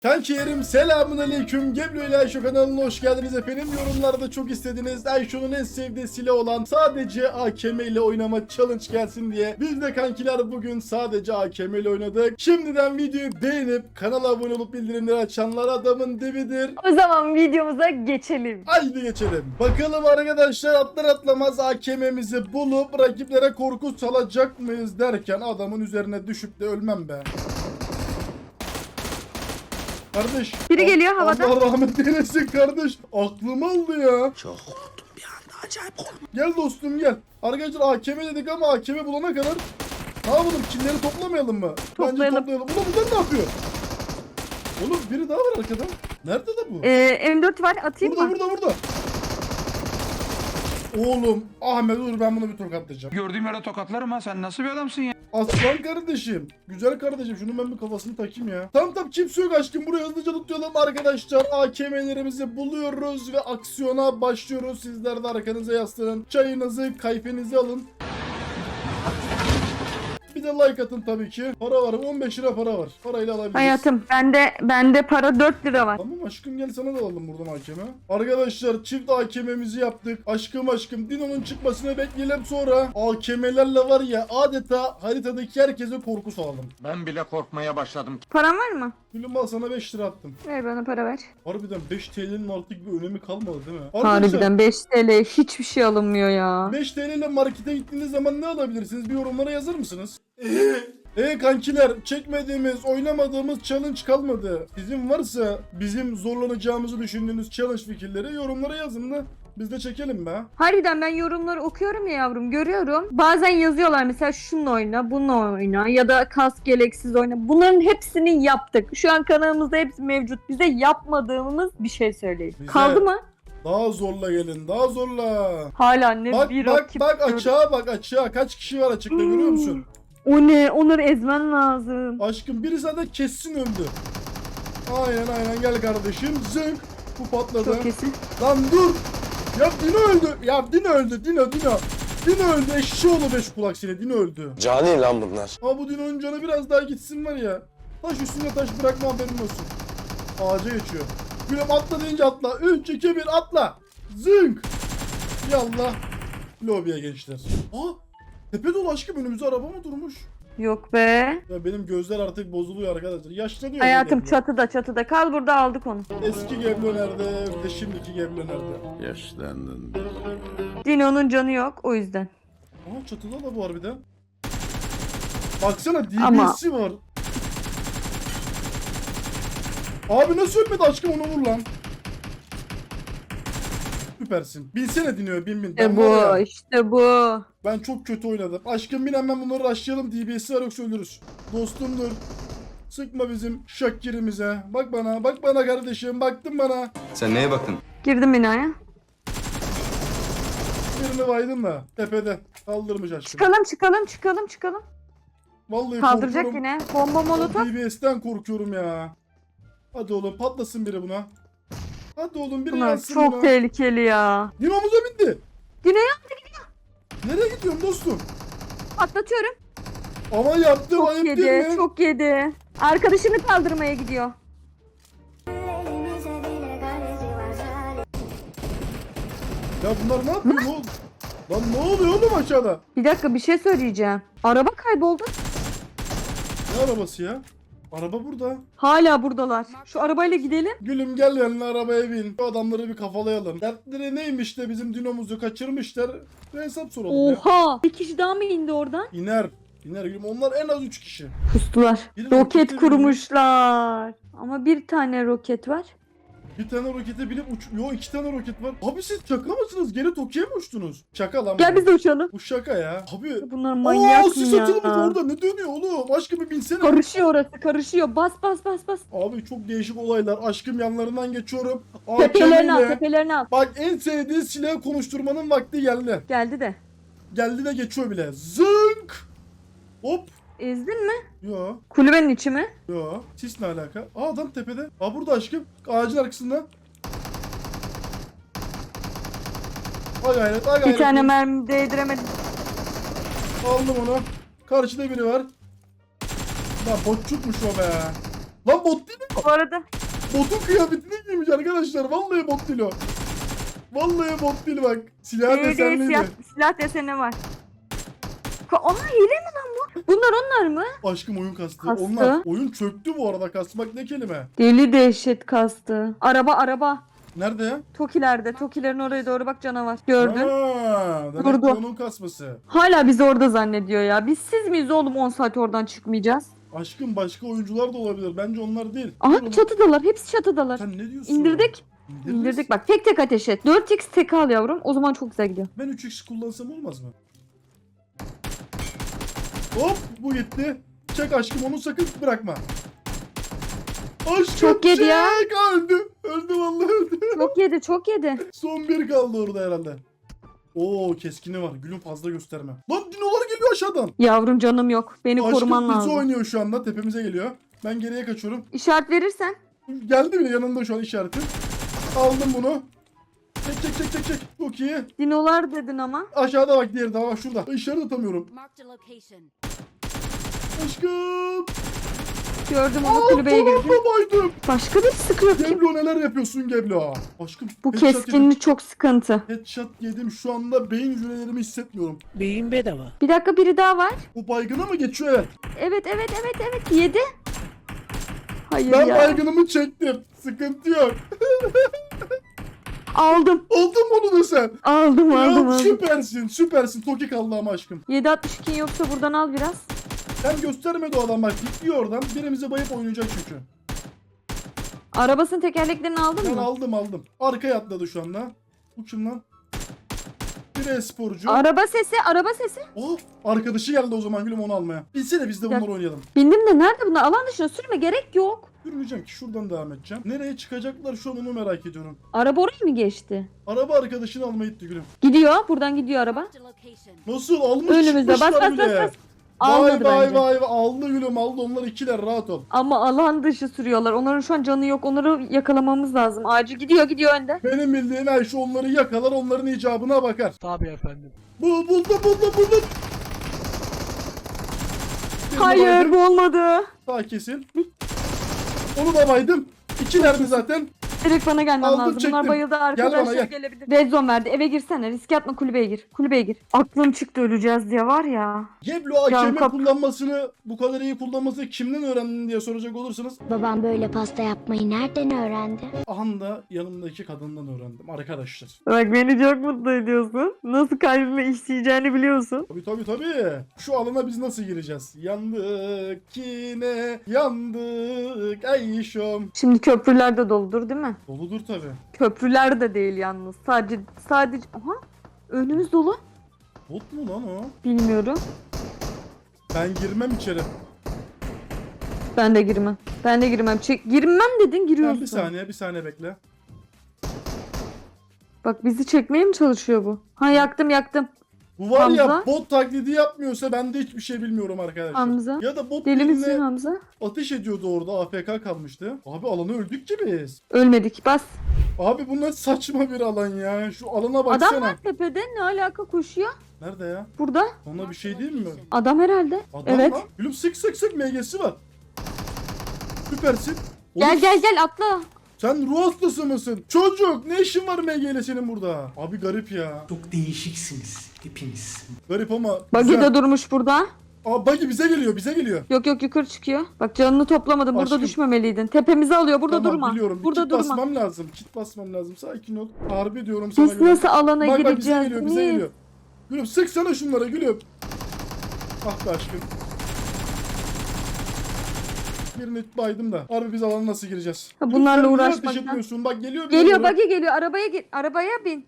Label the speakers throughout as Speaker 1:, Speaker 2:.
Speaker 1: Kankilerim selamünaleyküm. Geblo ile Ayşo kanalına hoş geldiniz efendim. Yorumlarda çok istediniz. Ayşo'nun en sevdiği silah olan sadece AKM ile oynama challenge gelsin diye. Biz de kankiler bugün sadece AKM ile oynadık. Şimdiden videoyu beğenip kanala abone olup bildirimleri açanlar adamın dibidir.
Speaker 2: O zaman videomuza geçelim.
Speaker 1: Haydi geçelim. Bakalım arkadaşlar atlar atlamaz AKM'mizi bulup rakiplere korku salacak mıyız derken adamın üzerine düşüp de ölmem be. Kardeş.
Speaker 2: Biri geliyor havada.
Speaker 1: Allah rahmet eylesin kardeş. Aklım aldı ya.
Speaker 3: Çok korktum bir anda, acayip korktum.
Speaker 1: Gel dostum gel. Arkadaşlar AKM dedik ama AKM bulana kadar ne yapalım? Killeri toplamayalım mı?
Speaker 2: Toplayalım.
Speaker 1: Bence toplayalım. Ulan bunlar ne yapıyor? Oğlum biri daha var arkada. Nerede de bu?
Speaker 2: M4 var, atayım mı?
Speaker 1: Burada. Oğlum Ahmet dur ben bunu bir tokatlayacağım.
Speaker 4: Gördüğüm yere tokatlarım ha, sen nasıl bir adamsın ya?
Speaker 1: Aslan kardeşim. Güzel kardeşim. Şunu ben bir kafasını takayım ya. Tamam kimse yok aşkım. Buraya hızlıca tutuyorum arkadaşlar. AKM'lerimizi buluyoruz ve aksiyona başlıyoruz. Sizler de arkanıza yaslanın. Çayınızı, kayfenizi alın. Bir de like atın tabii ki. Para var. 15 lira para var. Parayla alabiliriz.
Speaker 2: Hayatım bende para 4 lira var.
Speaker 1: Tamam aşkım gel sana da alalım buradan AKM. Arkadaşlar çift AKM'mizi yaptık. Aşkım Dino'nun çıkmasını bekleyelim sonra. AKM'lerle var ya adeta haritadaki herkese korku salalım.
Speaker 3: Ben bile korkmaya başladım.
Speaker 2: Paran var mı?
Speaker 1: Gülüm al sana 5 lira attım.
Speaker 2: Ver bana para ver.
Speaker 1: Harbiden 5 TL'nin artık bir önemi kalmadı değil mi?
Speaker 2: Harbiden 5 TL hiçbir şey alınmıyor ya.
Speaker 1: 5 TL ile markete gittiğiniz zaman ne alabilirsiniz? Bir yorumlara yazar mısınız? Kankiler çekmediğimiz, oynamadığımız challenge kalmadı. Sizin varsa bizim zorlanacağımızı düşündüğünüz challenge fikirleri yorumlara yazın da biz de çekelim be.
Speaker 2: Harbiden ben yorumları okuyorum ya yavrum, görüyorum. Bazen yazıyorlar mesela şununla oyna, bununla oyna ya da kask gereksiz oyna. Bunların hepsini yaptık. Şu an kanalımızda hepsi mevcut. Bize yapmadığımız bir şey söyleyin.
Speaker 1: Bize-
Speaker 2: Kaldı mı?
Speaker 1: Daha zorla gelin, daha zorla.
Speaker 2: Hala ne
Speaker 1: Bak
Speaker 2: bir
Speaker 1: bak
Speaker 2: rakip
Speaker 1: bak
Speaker 2: gördüm.
Speaker 1: açığa bak açığa. Kaç kişi var açıkta görüyor musun?
Speaker 2: O ne? Onları ezmen lazım.
Speaker 1: Aşkım biri zaten kessin öldü. Aynen gel kardeşim. Zınk. Bu patladı.
Speaker 2: Çok kesin.
Speaker 1: Lan dur. Ya Dino öldü. Dino öldü. Eşşoğlu beş kulak seni. Dino öldü.
Speaker 5: Cani lan bunlar.
Speaker 1: Ama bu Dino'nun canı biraz daha gitsin var ya. Taş üstüne taş bırakma haberin olsun. Ağaca geçiyor. Gülüm atla deyince atla. 3, 2, 1 atla. Zınk. Yallah. Lobiye gençler. Aa. Tepe dolu aşkım önümüzde araba mı durmuş?
Speaker 2: Yok be.
Speaker 1: Ya benim gözler artık bozuluyor arkadaşlar. Yaşlanıyor.
Speaker 2: Hayatım
Speaker 1: Geblo.
Speaker 2: çatıda. Kal burada, aldık onu.
Speaker 1: Eski Geblo nerede? Bir de şimdiki Geblo nerede?
Speaker 5: Yaşlandın.
Speaker 2: Dino'nun canı yok o yüzden.
Speaker 1: Aa çatıda da bu harbiden. Baksana
Speaker 2: Ama-
Speaker 1: DBS'i var. Abi nasıl ölmedi aşkım onu vur lan. Süpersin. Binsene Dino'ya bin.
Speaker 2: İşte
Speaker 1: var
Speaker 2: bu.
Speaker 1: ya, ben çok kötü oynadım. Aşkım bin hemen bunları rushlayalım. DBS'i var yoksa ölürüz. Dostum dur. Sıkma bizim şakkirimize. Bak bana kardeşim. Baktın bana.
Speaker 6: Sen neye baktın?
Speaker 2: Girdim binaya.
Speaker 1: Birini baydın da. Tepede. Kaldırmış aşkım.
Speaker 2: Çıkalım.
Speaker 1: Vallahi
Speaker 2: Kaldıracak
Speaker 1: korkuyorum.
Speaker 2: yine. Bomba molotof.
Speaker 1: DBS'ten korkuyorum ya. Hadi oğlum patlasın biri buna. Hadi oğlum biri
Speaker 2: Bunlar
Speaker 1: yansın
Speaker 2: çok
Speaker 1: buna.
Speaker 2: tehlikeli ya.
Speaker 1: Dinomuza bindi.
Speaker 2: Dino'ya
Speaker 1: Nereye gidiyorsun dostum?
Speaker 2: atlatıyorum.
Speaker 1: Ama yaptım
Speaker 2: Çok
Speaker 1: ayıp değil
Speaker 2: yedi.
Speaker 1: mi?
Speaker 2: Çok yedi. Arkadaşını kaldırmaya gidiyor.
Speaker 1: Ya bunlar ne yapıyor oğlum? Lan ne oluyor oğlum aşağıda?
Speaker 2: Bir dakika, bir şey söyleyeceğim. Araba kayboldu.
Speaker 1: Ne arabası ya? Araba burada.
Speaker 2: Hala buradalar. Şu arabayla gidelim.
Speaker 1: Gülüm gel yanına arabaya bin. Bu adamları bir kafalayalım. Dertleri neymiş de bizim dinomuzu kaçırmışlar. Bir hesap soralım ya.
Speaker 2: Oha. Bir kişi daha mı indi oradan?
Speaker 1: İner gülüm. Onlar en az 3 kişi.
Speaker 2: Pustular.
Speaker 1: Biri
Speaker 2: Roket
Speaker 1: rokete
Speaker 2: kurmuşlar. Ama bir tane roket var.
Speaker 1: Bir tane rokete binip Yo 2 tane roket var. Abi siz şaka mısınız? Gene Tokyo'ya mı uçtunuz? Şaka lan.
Speaker 2: Gel
Speaker 1: bu.
Speaker 2: biz de uçalım.
Speaker 1: Bu şaka ya. Abi.
Speaker 2: Bunlar manyak mı
Speaker 1: sis
Speaker 2: ya?
Speaker 1: atılmış orada. Ne dönüyor oğlum? Aşkım bir binsene.
Speaker 2: Karışıyor orası, karışıyor. Bas.
Speaker 1: Abi çok değişik olaylar. Aşkım yanlarından geçiyorum.
Speaker 2: Tepelerini al,
Speaker 1: AKM 'le.
Speaker 2: tepelerini al.
Speaker 1: Bak en sevdiği silahı konuşturmanın vakti geldi.
Speaker 2: Geldi de.
Speaker 1: Geldi de geçiyor bile. Zınk. Hop.
Speaker 2: Ezdin mi?
Speaker 1: Yo.
Speaker 2: Kulübenin içi mi?
Speaker 1: Yo. Sis ne alaka? Aa adam tepede. Aa burada aşkım. Ağacın arkasında. Ay gayret, ay gayret.
Speaker 2: Bir tane mermi değdiremedim.
Speaker 1: Aldım onu. Karşıda biri var. Lan botçukmuş o be. Lan bot değil mi?
Speaker 2: Bu arada
Speaker 1: Botun kıyafetini giymiş arkadaşlar. Vallahi bot değil o. Vallahi bot değil bak. Silah desenliydi.
Speaker 2: silah deseni var. Aa hile mi lan bu? Bunlar onlar mı?
Speaker 1: Aşkım oyun kastı.
Speaker 2: Kastı.
Speaker 1: Onlar. Oyun çöktü bu arada. Kastmak ne kelime?
Speaker 2: Deli dehşet kastı. Araba.
Speaker 1: Nerede ya?
Speaker 2: Toki'lerde. Toki'lerin oraya doğru bak canavar. Gördün.
Speaker 1: Demek
Speaker 2: Durdu.
Speaker 1: ki onun kasması.
Speaker 2: Hala bizi orada zannediyor ya. Biz siz miyiz oğlum 10 saat oradan çıkmayacağız?
Speaker 1: Aşkım başka oyuncular da olabilir. Bence onlar değil.
Speaker 2: Aha
Speaker 1: Dur,
Speaker 2: çatıdalar. Hepsi çatıdalar.
Speaker 1: sen ne diyorsun?
Speaker 2: İndirdik.
Speaker 1: İndiririz.
Speaker 2: İndirdik bak. Tek tek ateş et. 4x tek al yavrum. O zaman çok güzel gidiyor.
Speaker 1: Ben 3x kullansam olmaz mı? Hop bu gitti. Çek aşkım onu sakın bırakma. Aşkım
Speaker 2: Çok yedi
Speaker 1: çek.
Speaker 2: ya.
Speaker 1: Öldü. Öldü vallahi öldü.
Speaker 2: Çok yedi.
Speaker 1: Son bir kaldı orada herhalde. Oo keskini var. Gülüm fazla gösterme. Lan dinolar geliyor aşağıdan.
Speaker 2: Yavrum canım yok. Beni koruman
Speaker 1: Aşkım bizi
Speaker 2: lazım.
Speaker 1: oynuyor şu anda. Tepemize geliyor. Ben geriye kaçıyorum.
Speaker 2: İşaret verirsen.
Speaker 1: Geldi bile yanında şu an işareti. Aldım bunu. Çek. Çok iyi.
Speaker 2: Dinolar dedin ama.
Speaker 1: Aşağıda bak diğeri daha bak şurada. İşaret atamıyorum.
Speaker 5: Marked a location.
Speaker 1: Aşkım.
Speaker 2: Gördüm onu kulübeye girdi.
Speaker 1: Baydım.
Speaker 2: Başka bir sıkıyor kim?
Speaker 1: Geblo neler yapıyorsun Geblo? Aşkım.
Speaker 2: Bu
Speaker 1: headshot yedim.
Speaker 2: keskinlik çok sıkıntı.
Speaker 1: Headshot yedim şu anda beyin hücrelerimi hissetmiyorum.
Speaker 6: Beyin bedava.
Speaker 2: Bir dakika biri daha var.
Speaker 1: Bu baygına mı geçiyor evet?
Speaker 2: Evet. Yedi. Hayır
Speaker 1: Ben
Speaker 2: ya.
Speaker 1: baygınımı çektim. Sıkıntı yok.
Speaker 2: Aldım.
Speaker 1: Oldun mu onu da sen?
Speaker 2: Aldım.
Speaker 1: Ya süpersin. Toki kaldı ama aşkım.
Speaker 2: 7.62 yoksa buradan al biraz.
Speaker 1: Sen göstermedi o adam bak gidiyor oradan. Birimize bayıp oynayacak çünkü.
Speaker 2: Arabasının tekerleklerini aldın
Speaker 1: Ben
Speaker 2: mı?
Speaker 1: aldım. Arkaya atladı şu anda. Bu kim lan? Bir e-sporcu.
Speaker 2: Araba sesi.
Speaker 1: Oh, arkadaşı geldi o zaman gülüm onu almaya. Bilsene biz de
Speaker 2: Ya-
Speaker 1: bunları oynayalım.
Speaker 2: Bindim de nerede bunlar? Alan dışına sürme gerek yok.
Speaker 1: Yürümeyeceğim ki şuradan devam edeceğim. Nereye çıkacaklar şu an onu merak ediyorum.
Speaker 2: Araba oraya mı geçti?
Speaker 1: Araba arkadaşını almaya gitti gülüm.
Speaker 2: Gidiyor. Buradan gidiyor araba.
Speaker 5: Marked a location.
Speaker 1: Nasıl almış
Speaker 2: Önümüzde. Bas
Speaker 1: çıkmışlar bile.
Speaker 2: bas. Almadı bence.
Speaker 1: Vay aldı gülüm aldı onlar ikiler rahat ol.
Speaker 2: Ama alan dışı sürüyorlar. Onların şu an canı yok. Onları yakalamamız lazım. Acil gidiyor önde.
Speaker 1: Benim bildiğim Ayşe onları yakalar onların icabına bakar.
Speaker 6: Tabii efendim.
Speaker 1: Buldum. Birini
Speaker 2: Hayır
Speaker 1: baydım.
Speaker 2: bu olmadı.
Speaker 1: Sağ kesin. Onu da baydım. İkilerdi zaten.
Speaker 2: Direkt bana gelmen
Speaker 1: Aldım,
Speaker 2: lazım.
Speaker 1: çektim.
Speaker 2: Bunlar bayıldı
Speaker 1: bana,
Speaker 2: arkadaşlar
Speaker 1: gel.
Speaker 2: gelebilir. Red zone verdi. Eve girsene. Riske atma kulübeye gir. Aklım çıktı öleceğiz diye var ya.
Speaker 1: Geblo AKM
Speaker 2: kap-
Speaker 1: kullanmasını bu kadar iyi kullanmasını kimden öğrendin diye soracak olursanız
Speaker 7: Babam böyle pasta yapmayı nereden öğrendi?
Speaker 1: anda yanımdaki kadından öğrendim arkadaşlar.
Speaker 2: Bak beni çok mutlu ediyorsun. Nasıl kalbime işleyeceğini biliyorsun.
Speaker 1: Tabii. Şu alana biz nasıl gireceğiz? Yandık yine yandık Ayşom.
Speaker 2: Şimdi köprüler de doludur değil mi?
Speaker 1: Doludur tabii.
Speaker 2: Köprüler de değil yalnız. Sadece... Aha. Önümüz dolu.
Speaker 1: Bot mu lan o?
Speaker 2: Bilmiyorum.
Speaker 1: Ben girmem içeri.
Speaker 2: Ben de girmem. Girmem dedin
Speaker 1: Sen
Speaker 2: giriyorsun.
Speaker 1: bir saniye bekle.
Speaker 2: Bak bizi çekmeye mi çalışıyor bu? Ha yaktım.
Speaker 1: Bu var ya
Speaker 2: Hamza?
Speaker 1: bot taklidi yapmıyorsa ben de hiçbir şey bilmiyorum arkadaşlar.
Speaker 2: Hamza?
Speaker 1: Ya da bot
Speaker 2: Deli misin
Speaker 1: birine
Speaker 2: Hamza?
Speaker 1: ateş ediyordu orada AFK kalmıştı. Abi alana öldük ki biz.
Speaker 2: Ölmedik bas.
Speaker 1: Abi bu ne saçma bir alan ya. Şu alana
Speaker 2: Adam
Speaker 1: baksana.
Speaker 2: var tepede ne alaka koşuyor?
Speaker 1: Nerede ya?
Speaker 2: Burada.
Speaker 1: Ona bir şey değil mi?
Speaker 2: Adam herhalde.
Speaker 1: Adam
Speaker 2: Evet.
Speaker 1: lan. Gülüm sık MG'si var. Süpersin.
Speaker 2: Gel
Speaker 1: Oğlum,
Speaker 2: gel atla.
Speaker 1: Sen ruh hastası mısın? Çocuk ne işin var MG ile senin burada? Abi garip ya.
Speaker 6: Çok değişiksiniz hepiniz.
Speaker 1: Garip ama
Speaker 2: Buggy
Speaker 1: güzel.
Speaker 2: de durmuş burada.
Speaker 1: Aa buggy bize geliyor.
Speaker 2: Yok yukarı çıkıyor. Bak canını toplamadım. Burada
Speaker 1: Aşkım.
Speaker 2: düşmemeliydin. Tepemizi alıyor. Burada
Speaker 1: Tamam,
Speaker 2: durma.
Speaker 1: biliyorum.
Speaker 2: Burada
Speaker 1: Kit
Speaker 2: durma.
Speaker 1: basmam lazım. Kit basmam lazım. Sakin ol. Harbi diyorum sana.
Speaker 2: Biz
Speaker 1: Gülüm.
Speaker 2: nasıl alana
Speaker 1: Bak bize
Speaker 2: gireceğiz?
Speaker 1: geliyor bize
Speaker 2: Niye?
Speaker 1: geliyor. Gülüm sıksana şunlara gülüm. Ah be aşkım. Birini baydım da. Harbi biz alana nasıl gireceğiz?
Speaker 2: Ha, bunlarla
Speaker 1: Lütfen niye
Speaker 2: uğraşmaktan.
Speaker 1: ateş etmiyorsun? Bak geliyor.
Speaker 2: Geliyor buggy geliyor. Arabaya git. Arabaya bin.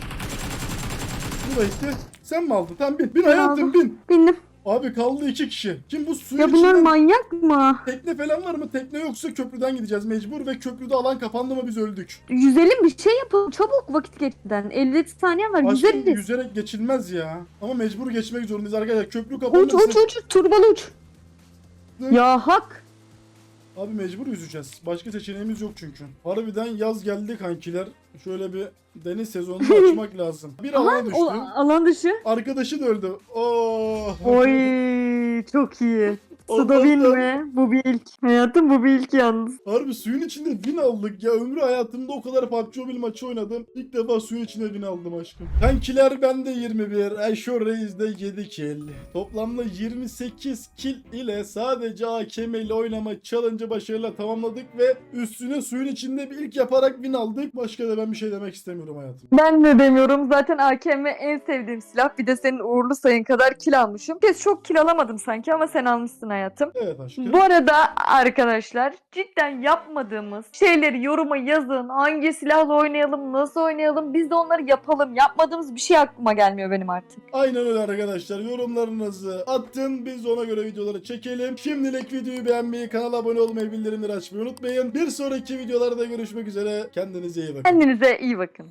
Speaker 1: Bu da gitti. Sen mi aldın? Tamam bin. Bin
Speaker 2: Ben
Speaker 1: hayatım
Speaker 2: aldım.
Speaker 1: bin.
Speaker 2: Bindim.
Speaker 1: Abi kaldı 2 kişi. Kim bu suyun
Speaker 2: Ya bunlar
Speaker 1: içinden
Speaker 2: manyak mı?
Speaker 1: tekne falan var mı? Tekne yoksa köprüden gideceğiz mecbur ve köprüde alan kapandı mı biz öldük.
Speaker 2: Yüzelim bir şey yapalım. Çabuk vakit geçmeden. 50 saniye var.
Speaker 1: Aşkım
Speaker 2: Yüzeriz.
Speaker 1: yüzerek geçilmez ya. Ama mecbur geçmek zorundayız arkadaşlar. Köprü kapanırsa...
Speaker 2: Uç. Turbalı uç.
Speaker 1: Hı.
Speaker 2: Ya hak.
Speaker 1: Abi mecbur yüzeceğiz. Başka seçeneğimiz yok çünkü. Harbiden yaz geldi kankiler. Şöyle bir deniz sezonunu açmak lazım. Bir alana
Speaker 2: O
Speaker 1: düştüm.
Speaker 2: alan dışı.
Speaker 1: Arkadaşı da öldü. Oh.
Speaker 2: Oy çok iyi. Suda win mi? Bu bir ilk. Hayatım bu bir ilk yalnız.
Speaker 1: Harbi suyun içinde win aldık ya. Ömrü hayatımda o kadar PUBG Mobile maçı oynadım. İlk defa suyun içinde win aldım aşkım. Kankiler bende 21. Ayşo Reis'de 7 kill. Toplamda 28 kill ile sadece AKM ile oynama challenge'ı başarıyla tamamladık ve üstüne suyun içinde bir ilk yaparak win aldık. Başka da ben bir şey demek istemiyorum hayatım.
Speaker 2: Ben de demiyorum. Zaten AKM en sevdiğim silah. Bir de senin uğurlu sayın kadar kill almışım. Kez çok kill alamadım sanki ama sen almışsın hayatım.
Speaker 1: Evet aşkım.
Speaker 2: Bu arada arkadaşlar cidden yapmadığımız şeyleri yoruma yazın. Hangi silahla oynayalım, nasıl oynayalım biz de onları yapalım. Yapmadığımız bir şey aklıma gelmiyor benim artık.
Speaker 1: Aynen öyle arkadaşlar. Yorumlarınızı atın. Biz de ona göre videoları çekelim. Şimdilik videoyu beğenmeyi, kanala abone olmayı, bildirimleri açmayı unutmayın. Bir sonraki videolarda görüşmek üzere. Kendinize iyi bakın.
Speaker 2: Kendinize iyi bakın.